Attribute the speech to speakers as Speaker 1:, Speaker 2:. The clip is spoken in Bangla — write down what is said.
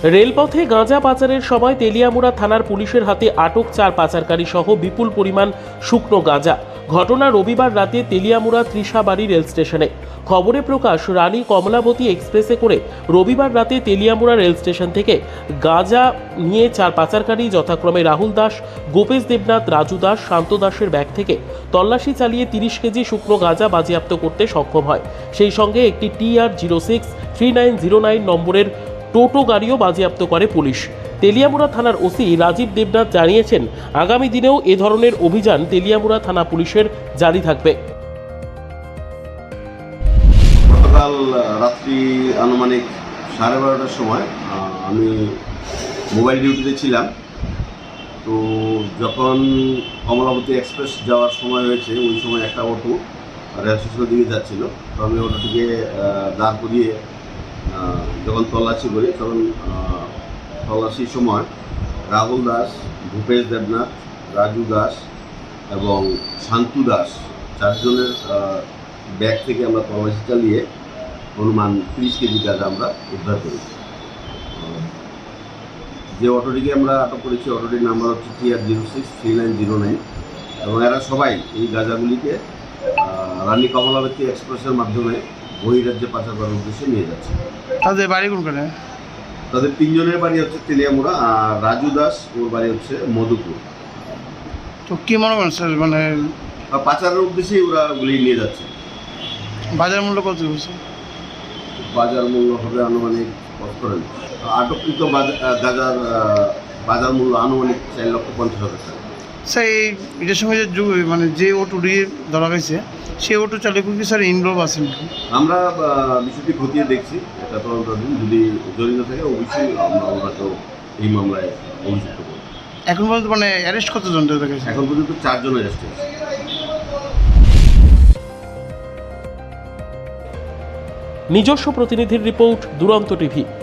Speaker 1: রেলপথে গাঁজা পাচারের সময় তেলিয়ামুড়া থানার পুলিশের হাতে আটক 4 পাচারকারী সহ বিপুল পরিমাণ শুকনো গাঁজা। ঘটনা রবিবার রাতে তেলিয়ামুড়া ত্রিশাবাড়ি রেল স্টেশনে। খবরে প্রকাশ, রানী কমলাবতী এক্সপ্রেসে করে রবিবার রাতে তেলিয়ামুড়া রেল স্টেশন থেকে গাঁজা নিয়ে 4 পাচারকারী যথাক্রমে রাহুল দাস, গোপেশ দেবনাথ, রাজু দাস, শান্ত দাসের ব্যাগ থেকে তল্লাশি চালিয়ে 30 কেজি শুকনো গাঁজা বাজেয়াপ্ত করতে সক্ষম হয়। সেই সঙ্গে একটি TR063909 নম্বরের টোটো গাড়িও বাজেয়াপ্ত করে পুলিশ। তেলিয়ামুড়া থানার ওসি রাজীব দেবনাথ জানিয়েছেন, আগামী দিনেও এ ধরনের অভিযান তেলিয়ামুড়া থানা পুলিশের জারি থাকবে।
Speaker 2: গতকাল রাত্রি আনুমানিক 12:30টার সময় আমি মোবাইল ডিউটিতে ছিলাম। তো যখন কমলাবতী এক্সপ্রেস যাওয়ার সময় হয়েছে, ওই সময় একটা অটো রেল স্টেশনের দিকে যাচ্ছিল। তো আমি অটোটিকে দাঁড় করিয়ে যখন তল্লাশি করি, তখন তল্লাশির সময় রাহুল দাস, ভূপেশ দেবনাথ, রাজু দাস এবং শান্তু দাস 4 জনের ব্যাগ থেকে আমরা তল্লাশি চালিয়ে অনুমান 30 কেজি গাঁজা আমরা উদ্ধার করি। যে অটোটিকে আমরা আটক করেছি, অটোটির নাম্বার হচ্ছে TR063909 এবং এরা সবাই এই গাঁজাগুলিকে রানী কমলাবতী এক্সপ্রেসের মাধ্যমে বহিরাজ্যে পাচার করার উদ্দেশ্যে নিয়ে যাচ্ছে।
Speaker 3: তাদের বাড়ি কোনখানে?
Speaker 2: তাদের 3 জনের বাড়ি হচ্ছে তেলিয়ামুড়া, আর রাজু দাস ওর বাড়ি হচ্ছে মধুপুর।
Speaker 3: তো কি মনে করেন স্যার, মানে
Speaker 2: পাচারের উদ্দেশ্যেই ওরা গুলি নিয়ে যাচ্ছে।
Speaker 3: বাজার মূল্য কত বলছে?
Speaker 2: বাজার মূল্য হবে আনুমানিক আটককৃত গাঁজার বাজার মূল্য আনুমানিক 4,50,000 টাকা।
Speaker 3: স্যার এটার সঙ্গে মানে যে অটোটি ধরা গেছে, সেই অটো চালক কি স্যার ইনভলভ আছেন?
Speaker 2: আমরা বিষয়টি খতিয়ে দেখছি। এটা তদন্তাধীন, যদি জড়িত থাকে অবশ্যই আমরা ওনাকে এই মামলায় অভিযুক্ত করব।
Speaker 3: এখন পর্যন্ত মানে অ্যারেস্ট কতজন দেখা গেছে?
Speaker 2: এখন পর্যন্ত 4 জন অ্যারেস্ট হয়েছে।
Speaker 1: নিজস্ব প্রতিনিধির রিপোর্ট, দুরন্ত টিভি।